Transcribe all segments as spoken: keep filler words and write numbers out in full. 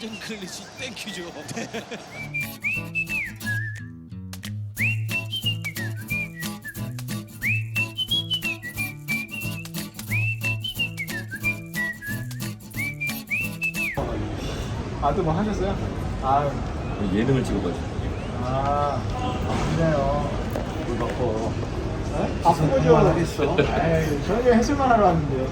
골든 클래식 땡큐죠. 아, 또 뭐 하셨어요? 아, 예능을 찍어가지고. 아, 아프네요. 물 바꿔. 네? 아픈 거죠? 하겠어. 에이, 저녁에 해수만 하러 왔는데요.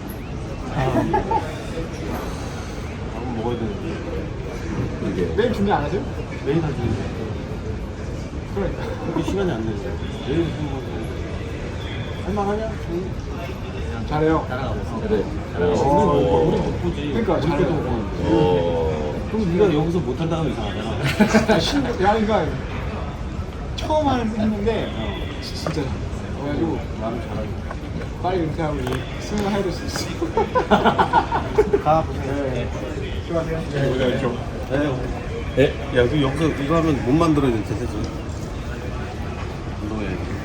밥은 먹어야 되는데. 이게 내일 준비 안 하세요? 매일 하지. 그러니까. 그렇게 시간이 안 되죠. 내일 뭐 할만하냐? 잘해요. 그래. 오. 우리 못 보지. 그러니까 우리 잘해요. 때도 못 보는데. 어. 그럼 네가 여기서 못한다 하면 이상하잖아. 아, 신, 야, 그러니까 처음 하는 했는데 진짜 잘해. 그래가지고 나는 잘하지. 빨리 은퇴하고 이제 승을 해야 될 수 있어. 가 보세요. 네. 수고하세요. 네. 네. 야, 그 여기서 이거 하면 못 만들어야 돼, 대세지. 운동해야지.